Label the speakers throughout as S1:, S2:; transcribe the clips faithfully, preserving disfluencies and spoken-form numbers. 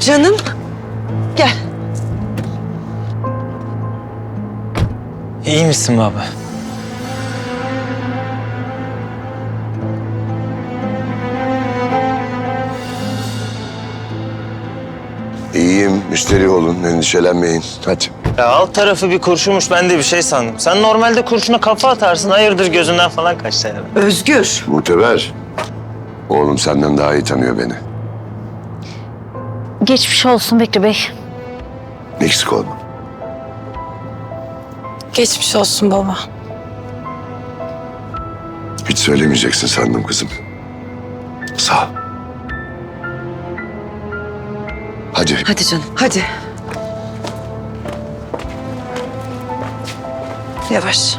S1: Canım, gel.
S2: İyi misin baba?
S3: İyiyim, müşteri olun, endişelenmeyin. Hadi.
S2: Ya alt tarafı bir kurşunmuş, ben de bir şey sandım. Sen normalde kurşuna kafa atarsın, hayırdır gözünden falan kaçtı herhalde.
S1: Özgür.
S3: Muteber. Oğlum senden daha iyi tanıyor beni.
S4: Geçmiş olsun Bekri Bey.
S3: Eksik olma.
S1: Geçmiş olsun baba.
S3: Hiç söylemeyeceksin sandım kızım. Sağ ol. Hadi.
S1: Hadi canım, hadi. Yavaş.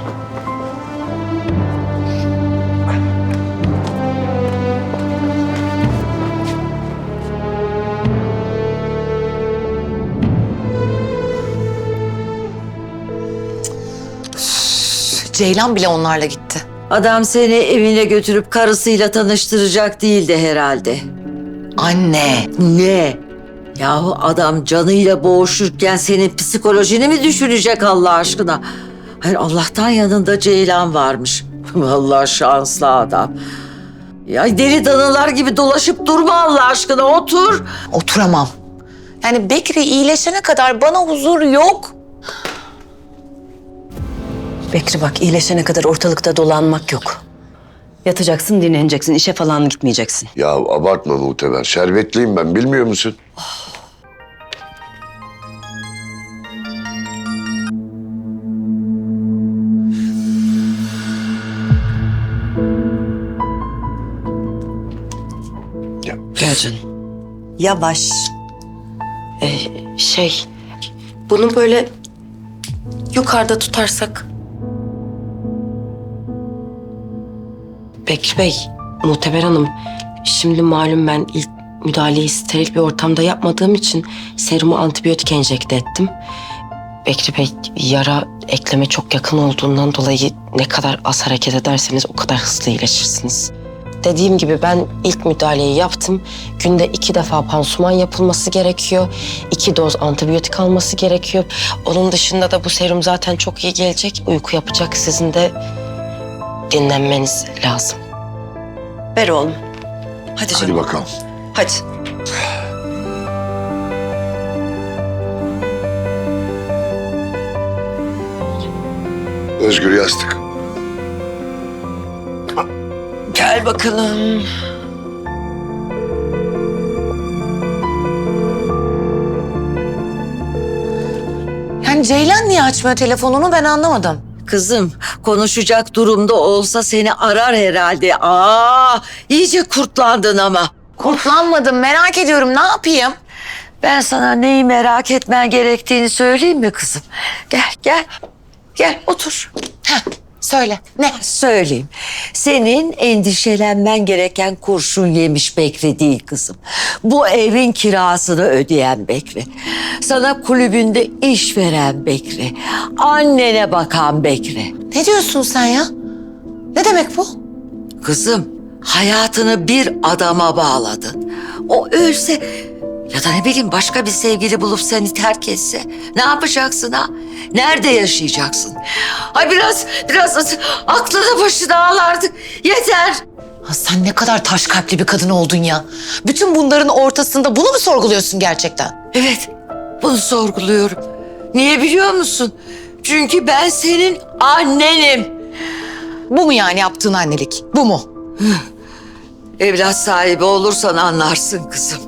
S5: Ceylan bile onlarla gitti.
S6: Adam seni evine götürüp karısıyla tanıştıracak değildi herhalde.
S5: Anne.
S6: Ne? Yahu adam canıyla boğuşurken senin psikolojini mi düşünecek Allah aşkına? Hayır Allah'tan yanında Ceylan varmış. Vallahi şanslı adam. Ya deli danılar gibi dolaşıp durma Allah aşkına, otur.
S5: Oturamam. Yani Bekri iyileşene kadar bana huzur yok.
S7: Bekri bak, iyileşene kadar ortalıkta dolanmak yok. Yatacaksın, dinleneceksin, işe falan gitmeyeceksin.
S3: Ya abartma Muteber. Şerbetliyim ben, bilmiyor musun? Gel.
S7: Gel canım.
S5: Yavaş.
S7: Ee, şey, bunu böyle yukarıda tutarsak... Bekri Bey, Muhteber Hanım, şimdi malum ben ilk müdahaleyi steril bir ortamda yapmadığım için serumu antibiyotik enjekte ettim. Bekri Bey, yara ekleme çok yakın olduğundan dolayı ne kadar az hareket ederseniz o kadar hızlı iyileşirsiniz. Dediğim gibi ben ilk müdahaleyi yaptım. Günde iki defa pansuman yapılması gerekiyor. İki doz antibiyotik alması gerekiyor. Onun dışında da bu serum zaten çok iyi gelecek. Uyku yapacak. Sizin de dinlenmeniz lazım.
S1: Ver oğlum. Hadi
S3: Hadi
S1: canım.
S3: bakalım.
S1: Hadi.
S3: Özgür yastık.
S1: Gel bakalım.
S5: Yani Ceylan niye açmıyor telefonunu ben anlamadım.
S6: Kızım konuşacak durumda olsa seni arar herhalde. Aa, iyice kurtlandın ama.
S5: Kurtlanmadım, merak ediyorum, ne yapayım?
S6: Ben sana neyi merak etmen gerektiğini söyleyeyim mi kızım? Gel gel. Gel otur.
S5: Heh, söyle, ne?
S6: Söyleyeyim. Senin endişelenmen gereken kurşun yemiş Bekri değil kızım. Bu evin kirasını ödeyen Bekri. Sana kulübünde iş veren Bekri. Annene bakan Bekri.
S5: Ne diyorsun sen ya? Ne demek bu?
S6: Kızım, hayatını bir adama bağladın. O ölse ya da ne bileyim başka bir sevgili bulup seni terk etse ne yapacaksın ha? Nerede yaşayacaksın? Ay biraz biraz aklını başına al artık. Yeter.
S5: Ha, sen ne kadar taş kalpli bir kadın oldun ya. Bütün bunların ortasında bunu mu sorguluyorsun gerçekten?
S6: Evet, bunu sorguluyorum. Niye biliyor musun? Çünkü ben senin annenim.
S5: Bu mu yani yaptığın annelik? Bu mu?
S6: Evlat sahibi olursan anlarsın kızım.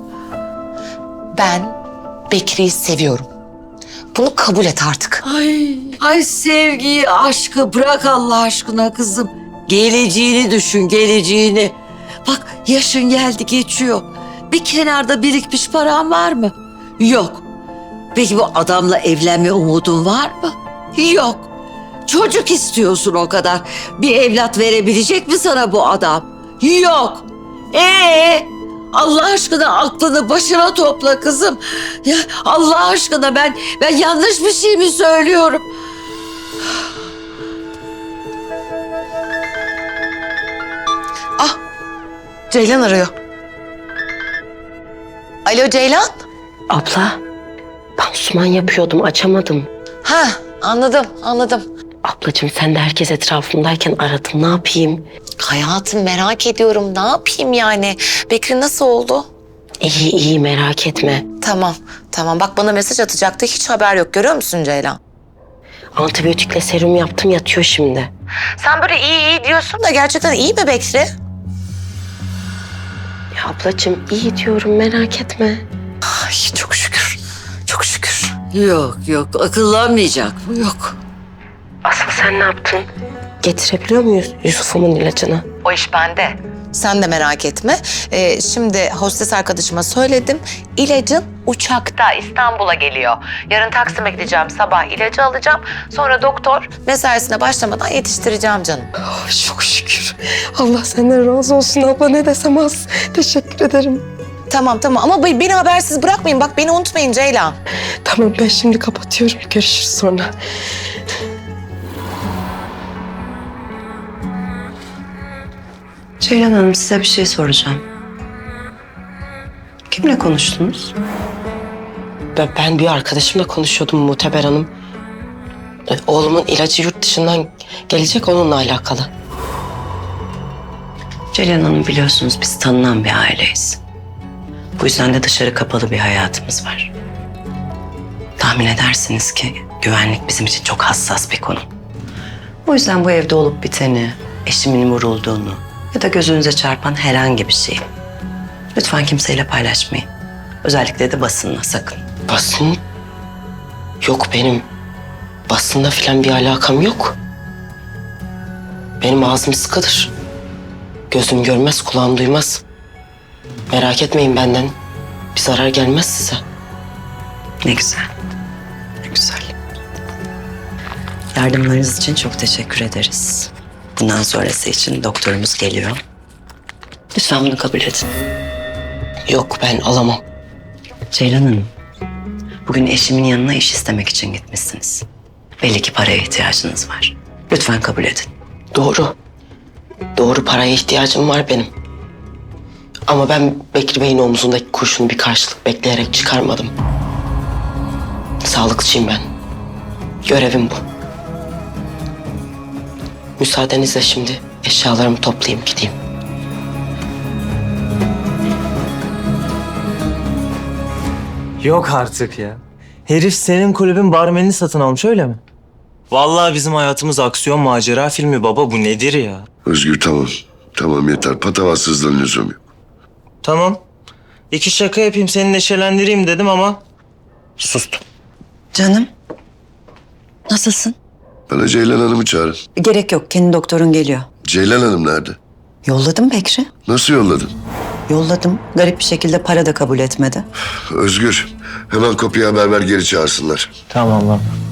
S5: Ben Bekri'yi seviyorum. Bunu kabul et artık.
S6: Ay, ay sevgiyi, aşkı bırak Allah aşkına kızım. Geleceğini düşün, geleceğini. Bak yaşın geldi geçiyor. Bir kenarda birikmiş paran var mı? Yok. Peki bu adamla evlenme umudun var mı? Yok. Çocuk istiyorsun o kadar. Bir evlat verebilecek mi sana bu adam? Yok. Ee, Allah aşkına aklını başına topla kızım. Ya Allah aşkına ben ben yanlış bir şey mi söylüyorum?
S5: Ah, Ceylan arıyor. Alo Ceylan.
S7: Abla, pansuman yapıyordum, açamadım.
S5: Ha, anladım, anladım.
S7: Ablacığım sen de herkes etrafımdayken aradın, ne yapayım?
S5: Hayatım merak ediyorum. Ne yapayım yani? Bekri nasıl oldu?
S7: İyi iyi, merak etme.
S5: Tamam, tamam. Bak bana mesaj atacaktı. Hiç haber yok. Görüyor musun Ceylan?
S7: Antibiyotikle serum yaptım, yatıyor şimdi.
S5: Sen böyle iyi iyi diyorsun da gerçekten iyi mi Bekri?
S7: Ya ablacığım iyi diyorum, merak etme.
S5: Ay çok şükür. Çok şükür.
S6: Yok yok akıllanmayacak bu yok.
S7: Asıl sen ne yaptın? Getirebiliyor muyuz Yusuf'umun ilacını?
S5: O iş bende. Sen de merak etme. Ee, şimdi hostes arkadaşıma söyledim. İlacın uçakta İstanbul'a geliyor. Yarın Taksim'e gideceğim. Sabah ilacı alacağım. Sonra doktor mesaisine başlamadan yetiştireceğim canım.
S7: Çok şükür. Allah senden razı olsun abla, ne desem az. Teşekkür ederim.
S5: Tamam tamam ama be- beni habersiz bırakmayın. Bak beni unutmayın Ceylan.
S7: Tamam, ben şimdi kapatıyorum. Görüşürüz sonra.
S1: Ceylan Hanım, size bir şey soracağım. Kimle konuştunuz?
S7: Ben, ben bir arkadaşımla konuşuyordum Muteber Hanım. E, Oğlumun ilacı yurt dışından gelecek, onunla alakalı.
S1: Ceylan Hanım, biliyorsunuz biz tanınan bir aileyiz. Bu yüzden de dışarı kapalı bir hayatımız var. Tahmin edersiniz ki güvenlik bizim için çok hassas bir konu. O yüzden bu evde olup biteni, eşimin vurulduğunu ya da gözünüze çarpan herhangi bir şeyi lütfen kimseyle paylaşmayın. Özellikle de basınla, sakın.
S7: Basın? Yok, benim basında falan bir alakam yok. Benim ağzım sıkıdır. Gözüm görmez, kulağım duymaz. Merak etmeyin benden. Bir zarar gelmez size.
S1: Ne güzel. Ne güzel. Yardımlarınız için çok teşekkür ederiz. Bundan sonrası için doktorumuz geliyor. Lütfen bunu kabul edin.
S7: Yok, ben alamam.
S1: Ceylan Hanım, bugün eşimin yanına iş istemek için gitmişsiniz. Belli ki paraya ihtiyacınız var. Lütfen kabul edin.
S7: Doğru. Doğru, paraya ihtiyacım var benim. Ama ben Bekri Bey'in omzundaki kurşunu bir karşılık bekleyerek çıkarmadım. Sağlıkçıyım ben. Görevim bu. Müsaadenizle şimdi eşyalarımı toplayayım gideyim.
S2: Yok artık ya. Herif senin kulübün barmenini satın almış, öyle mi? Vallahi bizim hayatımız aksiyon macera filmi baba, bu nedir ya?
S3: Özgür tamam. Tamam yeter. Patavatsızlığın lüzum yok.
S2: Tamam. İki şaka yapayım, seni neşelendireyim dedim ama sustum.
S1: Canım, nasılsın?
S3: Bana Ceylan Hanım'ı çağırın.
S1: Gerek yok, kendi doktorun geliyor.
S3: Ceylan Hanım nerede?
S1: Yolladım Bekri.
S3: Nasıl yolladın?
S1: Yolladım. Garip bir şekilde para da kabul etmedi.
S3: Özgür, hemen kopya haber ver, geri çağırsınlar.
S2: Tamam lan.